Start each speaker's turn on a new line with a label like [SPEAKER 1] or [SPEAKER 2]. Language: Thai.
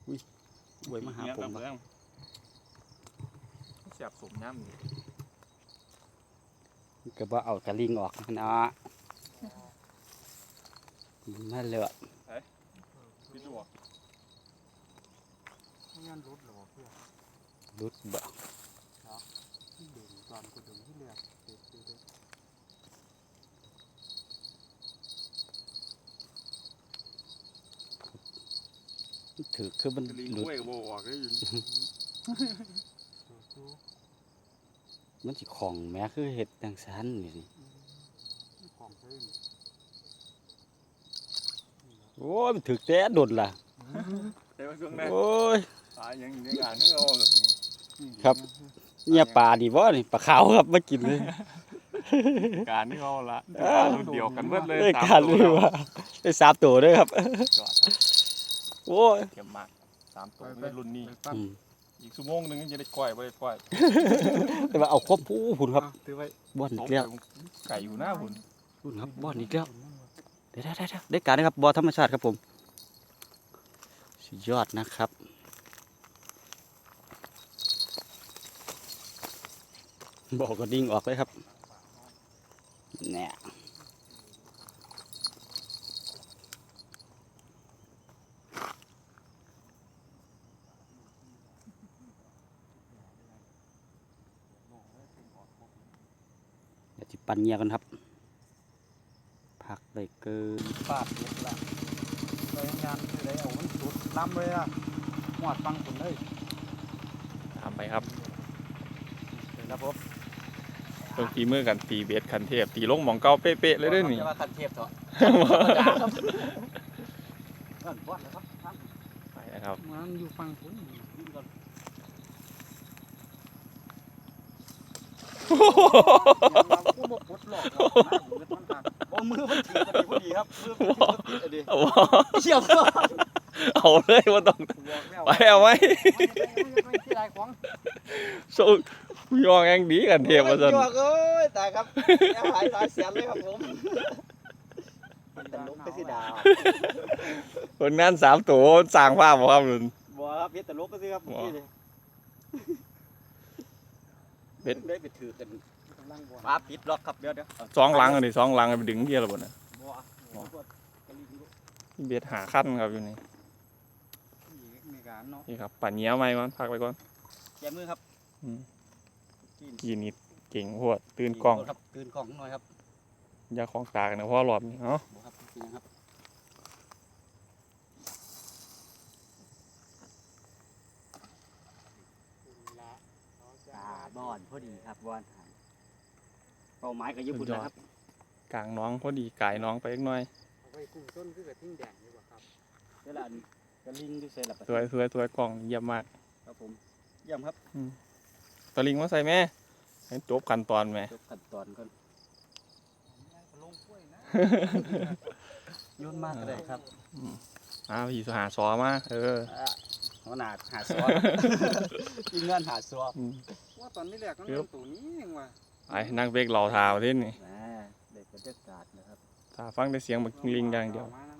[SPEAKER 1] อุ้ยบวยมาหาผม
[SPEAKER 2] เสียบสมน้ำนี่
[SPEAKER 1] ก็บ่เอากระลิงออกเนาะมาเลือด
[SPEAKER 2] พี่ดูอ่ะ
[SPEAKER 3] ไม่งั้นรุดหรอเพื่อน
[SPEAKER 1] รุดบ่
[SPEAKER 3] ที่เด่นตอนกูดึงที่เลือดเด็ดเด็ด
[SPEAKER 1] ถือคือมัน
[SPEAKER 2] ลิง
[SPEAKER 1] รุด
[SPEAKER 2] กล้วยกับโบออกได้ยิน
[SPEAKER 3] สู้
[SPEAKER 1] มันสิของแม้คือเห็ดจังซันนี่สิ
[SPEAKER 3] ของเพิ่ม
[SPEAKER 1] โอ้ยมันถือแต่โดดล่ะ
[SPEAKER 2] ใช่ไหมช่วงนั้น
[SPEAKER 1] โอ้ย
[SPEAKER 2] ตายยังอยู่ในงานให้เราแบบนี้
[SPEAKER 1] ครับเนี่ยปลาดีบ่นี่ปลาขาวครับมากินเลย
[SPEAKER 2] การที่เขาละรุ่นเดียวกันเบิดเลย
[SPEAKER 1] ได้การเลยว่าได้3 ตัวด้วยครับ
[SPEAKER 2] จอดครับ
[SPEAKER 1] โอ้ย
[SPEAKER 2] เก็บมาก3 ตัวเป็นรุ่นนี้
[SPEAKER 1] อืม
[SPEAKER 2] อีกชั่วโมงนึงจะได้ก้อยไม่ได้ก้อย
[SPEAKER 1] แต่ว่าเอาครบผู้พุ่นครับ
[SPEAKER 2] ถือไว้
[SPEAKER 1] บ่อน
[SPEAKER 2] ต
[SPEAKER 1] อี
[SPEAKER 2] บ
[SPEAKER 1] กแล้ว
[SPEAKER 2] ไก่อยู่หน้าหุ่น
[SPEAKER 1] พุ่นครับบ่อนอีกแล้วได้ได้การนะครับบ่อธรรมชาติครับผมสุดยอดนะครับบ่อก็ดิ่งออกเลยครับเนี่ยเดี๋ยวจิปั่นเงียกันครับพักไปเกิน
[SPEAKER 3] ปาดเด็ดละเลยงานคือได้เอามันสุดล้ำเลยอ่ะหวดฟังผมเลย
[SPEAKER 2] ตามไปครับ
[SPEAKER 3] ครับผม
[SPEAKER 2] เพิ่งฝีมือกันตีเบสคันเทพตีลงหมองเก่าเป๊ะๆเลยเด้อนี่
[SPEAKER 3] จะว่าคันเทพเถอะเอิ้นวัดนะครับท่าน
[SPEAKER 2] ไปนะครับ
[SPEAKER 3] มันอยู่ฟังผมนี่ก่อนกูบ่ปลดล็อกโอ้มือมันถือกันพอดีครับมือมันถือกันดีเชี่ยวก็
[SPEAKER 2] เอาเลยว่าต้อง
[SPEAKER 3] บอกแล้ว
[SPEAKER 2] ไปเอาไหม
[SPEAKER 3] ไม่ใช่ไรของ
[SPEAKER 2] สู้ยองแองดีกันเทพมาสัน
[SPEAKER 3] จวกเอ้ยตายครับแหายเสียเลยครับผมตลกไปสิดาว
[SPEAKER 2] คนงาน3 ตัวสร้างภาพบ่ครับนุ่น
[SPEAKER 3] บัวครับเบ็ดตลกก็สิครับนี่เลย
[SPEAKER 2] เบ็ด
[SPEAKER 3] ได้ไปถือกันปลาปิดล็อกครับเดี๋ยว
[SPEAKER 2] 2 หลังอันนี้2 หลังไปดึงเดียวแล้วบ่น่ะ
[SPEAKER 3] บัวกะลิงลูก
[SPEAKER 2] เบ็ดหาขั้นครับอยู่นี่
[SPEAKER 3] มีการเนาะ
[SPEAKER 2] นี่ครับปั่นเหนียวไหมมันพักไปก่อน
[SPEAKER 3] แกมือครับ
[SPEAKER 2] อืมกีนิดเก่งโหดตื่นกล้อง
[SPEAKER 3] ครับตื่นกล้องหน่อยครับ
[SPEAKER 2] อยาของตากันนะเพราะรอบนี้เนาะ
[SPEAKER 3] บัวครับจริงครับตาบอนพอดีครับบอนเป้าหมายก็ญี่ปุ่นนะครับ
[SPEAKER 2] กลางน้องพอดีกายน้องไปอีกหน่อย
[SPEAKER 3] เอาไว้กุ้งต้นคือกระทิ่งแดงดีกว่าครับเวลานี้กระลิงดูเสร็จแล้ว
[SPEAKER 2] สวยกล่องเยี่ยมมาก
[SPEAKER 3] ครับผมเยี่ยมครับ
[SPEAKER 2] ตะลิงมาใส่แม่ให้จบขั้นตอนแม่
[SPEAKER 3] จบขั้นตอนก่อนโยนมากก็ได้ครับ
[SPEAKER 2] พี่หาซอมา
[SPEAKER 3] หัวหน้าหาซัวทีมงานหาซัว
[SPEAKER 4] ว่าตอนนี้แหละก็เป็นตัวนี้เองว่ะ
[SPEAKER 2] ไอ้นั่งเบกเหล่าทาวที่นี่
[SPEAKER 3] เด็กบรรยากาศนะครับ
[SPEAKER 2] ถ้าฟังได้เสียงบักลิงอย่างเดียว
[SPEAKER 4] มานะ